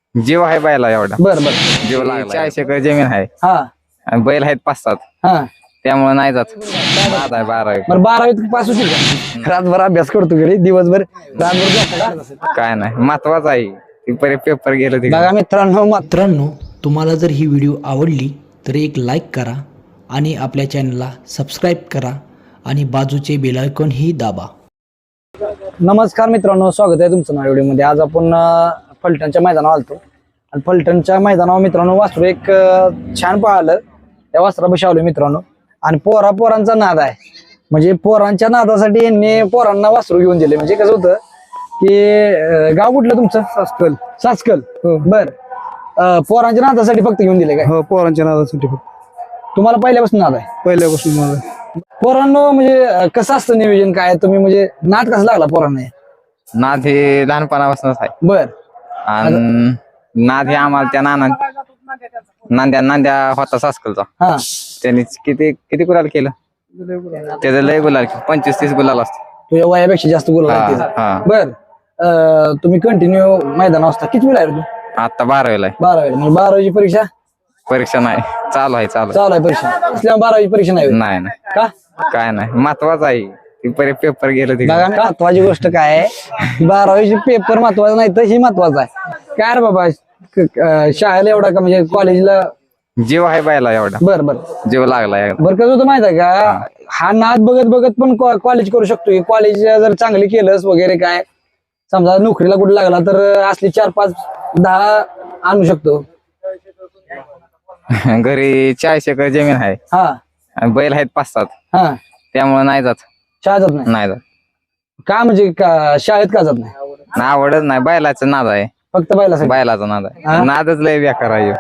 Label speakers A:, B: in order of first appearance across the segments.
A: जीव आहे बैला एवढा.
B: बर बर.
A: जीव लागला. 40 एकर जमीन आहे
B: हा
A: आणि बैल आहेत 5-7.
B: हा
A: त्यामुळे नाही जात. नाद आहे 12 एकर.
B: बरं 12वीत पास होतील का? रातभर अभ्यास करतो घरी, दिवसभर रातभर झोपतो.
A: काय नाही महत्वाचं आहे ती पेपर गेलं ते.
B: बघा मित्रांनो,
C: मित्रांनो, तुम्हाला जर ही व्हिडिओ आवडली तर एक लाईक करा आणि आपल्या चॅनलला सबस्क्राईब करा आणि बाजूचे बेल आयकॉन ही दाबा.
B: नमस्कार मित्रांनो, स्वागत आहे तुमचं नव्या व्हिडिओमध्ये. आज आपण फलटणच्या मैदानावर आलतो आणि फलटणच्या मैदानावर मित्रांनो वासरू एक छान पाहिलं. त्या वासरापाशी आलो मित्रांनो आणि पोरांचा नाद आहे. म्हणजे पोरांच्या नादासाठी यांनी पोरांना वासरू घेऊन दिले. म्हणजे कसं होतं की गाव कुठलं तुमचं? सासकल. बर. पोरांच्या नादासाठी फक्त घेऊन दिले काय?
D: हो, पोरांच्या नादासाठी
B: तुम्हाला पहिल्यापासून नाद आहे?
D: पहिल्यापासून मला
B: पोरांनो म्हणजे कसं असतं नियोजन काय? तुम्ही म्हणजे नाद कसा लागला पोरांना?
A: नाद हे लहानपणापासूनच आहे.
B: बर.
A: आणि नाद हे आम्हाला त्या नांद्या होता सासकलचा.
B: हा
A: त्यांनी किती गुलाल केलं? त्याचं लय गुलाल 25-30 गुलाल असतो.
B: तुझ्या वयापेक्षा जास्त गोल बर. तुम्ही कंटिन्यू मैदान असता. किती वेळ आहे तू?
A: आता 12वीला आहे.
B: 12 म्हणजे 12वीची
A: परीक्षा नाही, चालू आहे.
B: चालू आहे परीक्षा असल्यामुळे 12वीची परीक्षा नाही होत.
A: नाही
B: का?
A: काय नाही महत्वाचं आहे ती पेपर गेलं ते.
B: बघा महत्वाची गोष्ट काय आहे, 12वीची पेपर महत्वाचा नाही तर ही महत्वाचं आहे. काय रे बाबा, शाळेला एवढा का म्हणजे कॉलेजला
A: जीव आहे बैला एवढा.
B: बर बर.
A: जीव लागला.
B: बरं कसं होतं माहित आहे का, हा नाद बघत बघत पण कॉलेज करू शकतो. कॉलेज जर चांगली केलंस वगैरे काय, समजा नोकरीला कुठे लागला तर असली 4-5-10 आणू शकतो.
A: घरी 40 एकर जमीन आहे
B: हा
A: आणि बैल आहेत 5-7.
B: हा
A: त्यामुळे नाही जात.
B: शाळेत जात नाही
A: नाही जात.
B: का? म्हणजे शाळेत का जात नाही?
A: आवडत नाही. बैलाचं नाद आहे.
B: फक्त
A: बैलाचा नाद आहे. नादच लय बेकार आहे.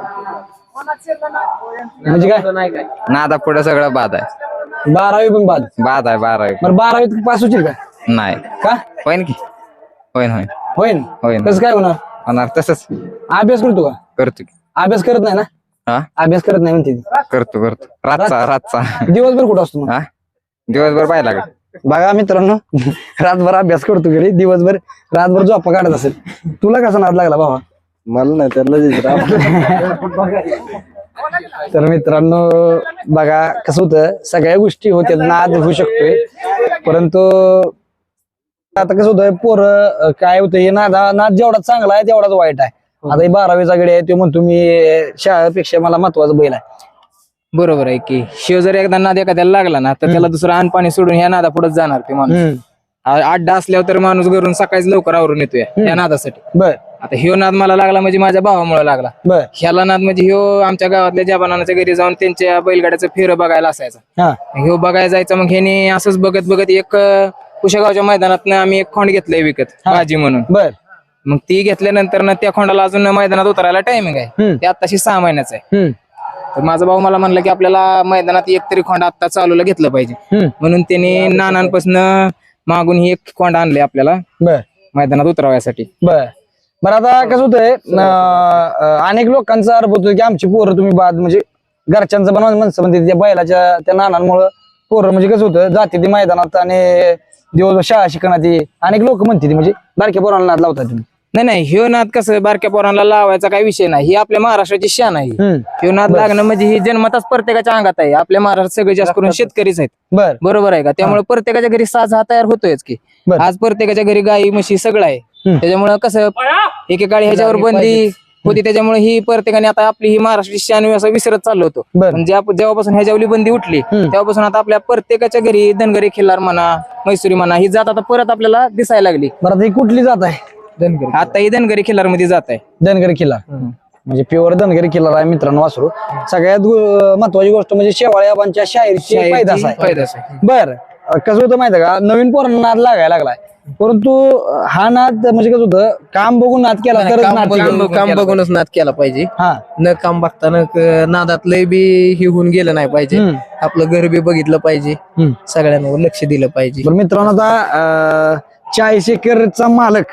B: म्हणजे काय?
A: नादा पुढे सगळं बाद आहे.
B: 12वी पण बाद
A: आहे 12वी.
B: बरं 12वीत पास होतील का?
A: नाही.
B: का?
A: होईन की? होईन
B: होईन. कसं काय होणार?
A: होणार तसंच.
B: अभ्यास करतो का?
A: करतो की.
B: अभ्यास करत नाही ना?
A: हा
B: अभ्यास करत नाही म्हणते ती.
A: करतो रातचा
B: दिवसभर कुठं असतो मग?
A: हा दिवसभर पाहिला का?
B: बघा मित्रांनो, रातभर अभ्यास करतो घरी, दिवसभर रातभर झोपा काढत असेल. तुला कसा नाद लागला बाबा?
D: मला नाही त्याला
B: तर मित्रांनो बघा कसं होतं, सगळ्या गोष्टी होत्या, नाद होऊ शकतोय. परंतु आता कसं होतं, पोरं काय होतं, हे नाद जेवढा चांगला आहे तेवढाच वाईट आहे. आता हे 12वीचा गडी आहे, तो म्हणतो मी शाळेपेक्षा मला महत्वाचं बैल आहे.
E: बरोबर आहे की. शिव जर एकदा नाद एखाद्याला लागला ना तर त्याला दुसरं अन्न पाणी सोडून ह्या नादा पुढे जाणार ते माणूस. अड्डा असल्यावर तर माणूस घरून सकाळीच लवकर आवरून येतोय या नादासाठी.
B: बर.
E: आता ह्यो नाद मला लागला म्हणजे माझ्या भावामुळे लागला.
B: बर.
E: ह्याला नाद म्हणजे ह्यो आमच्या गावातल्या जवानांच्या घरी जाऊन त्यांच्या बैलगाड्याचं फेरं बघायला असायचा.
B: हा
E: ह्यो बघायला जायचा. मग ह्याने असंच बघत बघत एक कुशेगावच्या मैदानात आम्ही एक खोंड घेतलंय विकत भाजी म्हणून.
B: बर.
E: मग ती घेतल्यानंतर ना त्या खोंडाला अजून मैदानात उतरायला टायमिंग आहे. ते आताशी 6 महिन्याचं आहे. तर माझा भाऊ मला म्हणला की आपल्याला मैदानात एक तरी खोंड आता चालूला घेतलं पाहिजे. म्हणून त्याने नानांपासून मागून ही एक खोंड आणले आपल्याला
B: बर.
E: मैदानात उतरवायसाठी.
B: बर. बरं आता कसं होतंय, अनेक लोकांचा आरोप होतो की आमची पोरं तुम्ही बाद, म्हणजे घरच्यांचं पण माणसं म्हणते त्या बैलाच्या त्या नानांमुळे पोरं म्हणजे कसं होतं जाते ती मैदानात आणि दिवसभर शाळा शिकणार. अनेक लोक म्हणते ती म्हणजे बारक्या पोरांना नाद लावतात तुम्ही.
E: नाही ह्यो नाद कसं बारक्या पोरांना लावायचा काही विषय नाही. ही आपल्या महाराष्ट्राची शान आहे. ह्यो नाद लागणं म्हणजे ही जन्मताच प्रत्येकाच्या अंगात आहे. आपल्या महाराष्ट्रात सगळे जास्त करून शेतकरीच आहेत.
B: बर.
E: बरोबर आहे का? त्यामुळे प्रत्येकाच्या घरी साज हा तयार होतोयच की. आज प्रत्येकाच्या घरी गाई म्हशी सगळं आहे. त्याच्यामुळे कसं एकेकाळी ह्याच्यावर बंदी होती, त्याच्यामुळे ही प्रत्येकाने आता आपली ही महाराष्ट्राची शान असं विसरत चाललो होतो. म्हणजे जेव्हापासून ह्याच्यावली बंदी उठली तेव्हापासून आता आपल्या प्रत्येकाच्या घरी धनगरी खिल्लार म्हणा, मैसुरी म्हणा, ही जात आता परत आपल्याला दिसायला लागली.
B: बरं ही कुठली जात आहे?
E: आता ही धनगरी खिल्लार मध्ये जात आहे.
B: धनगरी किल्ला म्हणजे प्युअर धनगरी किल्ला आहे मित्रांनो वासरू. सगळ्यात महत्वाची गोष्ट म्हणजे शेवाळ्याबांच्या शाहीरची पैदास आहे. बर. कसं होतं माहिती का, नवीन पोरांना नाद लागायला लागलाय. परंतु हा नाद म्हणजे कसं होतं, काम बघून नाद केला तर
F: काम बघूनच नाद केला पाहिजे.
B: हा
F: न काम बघताना नादात लय बी हे होऊन गेलं नाही पाहिजे. आपलं घर बी बघितलं पाहिजे, सगळ्यांवर लक्ष दिलं पाहिजे.
B: मित्रांनो आता 40 एकरचा मालक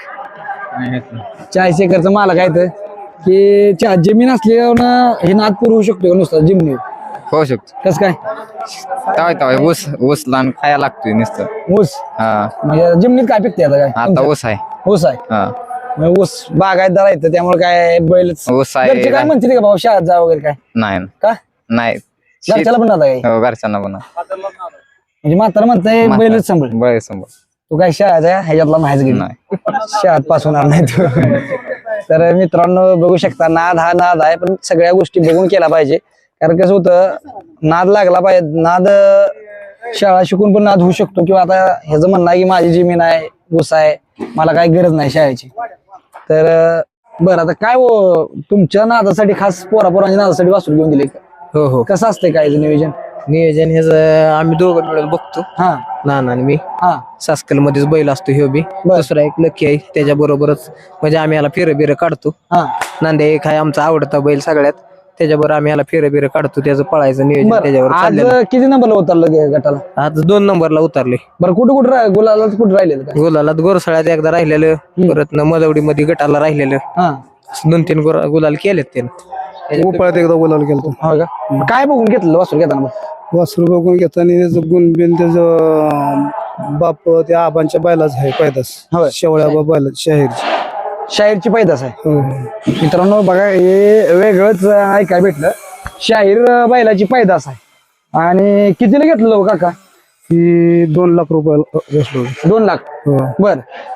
B: 40 एकरचा मालक आहे तर की जमीन असल्यावर हे नाद पुरवू शकतो नुसतं जमिनीवर?
A: होऊ शकतो.
B: कसं काय?
A: तवाय ऊस लहान खायला लागतोय नुसतं.
B: ऊस
A: हा
B: म्हणजे जमिनीत काय पिकते आता? काय
A: आता ऊस आहे.
B: ऊस आहे.
A: हा
B: मग ऊस बागायतदार आहेत त्यामुळे काय बैल
A: ऊस आहे.
B: घरचे काय म्हणतील का बाबा शाळेत जा वगैरे काय
A: नाही
B: का
A: नाही
B: घरच्याला पण आता काय
A: हो, घरच्यांना पण
B: म्हणजे म्हातारा म्हणताय बैलच सांभाळ
A: बरं समोर
B: तू काय शाळेचा ह्याच्यातला नाहीच गेली
A: नाही
B: शाळेत पास होणार नाही तू तर मित्रांनो बघू शकता नाद हा नाद आहे पण सगळ्या गोष्टी बघून केला पाहिजे कारण कसं होतं नाद लागला पाहिजे नाद शाळा शिकून पण नाद होऊ शकतो किंवा आता ह्याचं म्हणणं आहे की माझी जमीन आहे ऊस आहे मला काही गरज नाही शाळेची तर बरं आता काय हो तुमच्या नादासाठी खास पोरापोरांच्या नादासाठी वासरू घेऊन दिले का?
F: हो हो
B: कसं असतंय काय नियोजन
F: नियोजन ह्याच आम्ही दोघं मिळून बघतो
B: हा
F: नाना आणि मी
B: हा
F: सासकल मध्येच बैल असतो ह्यो बी
B: बर.
F: दुसरा एक लकी आहे त्याच्या बरोबरच म्हणजे आम्ही याला फिरं काढतो
B: हा
F: नांद्या एक आहे आमचा आवडता बैल सगळ्यात त्याच्याबरोबर आम्ही याला फिरं काढतो त्याचं पळायचं नियोजन
B: बरं
F: त्याच्यावर
B: आज
F: चाललेलं
B: किती नंबरला उतरलं गटाला
F: आज 2 नंबरला उतरले
B: बरं कुठं गुलाला कुठं राहिलेलं काय
F: गुलाला गोरसाळ्यात एकदा राहिलेलं परत मदवडी मध्ये गटाला राहिलेलं
B: हा
F: 2-3 गुलाल केलेत त्यानं
D: उपाळ्यात एकदा बोलायला गेलो
B: हो का काय बघून घेतलं वासरू घेताना मग
D: वासरू बघून घेताना त्याचं गुण बिन त्याचं बाप त्या आबांच्या बैलाच आहे पैदास
B: होय.
D: शेवळ्या बैला शाहीरची
B: शाहीरची पैदास आहे
D: हो.
B: मित्रांनो बघा हे वेगळंच ऐकाय भेटलं शाहीर बैलाची पैदास आहे आणि कितीला घेतलं हो काका
D: ही 2 लाख रुपयाला बसलो
B: 2 लाख
D: हो.
B: बर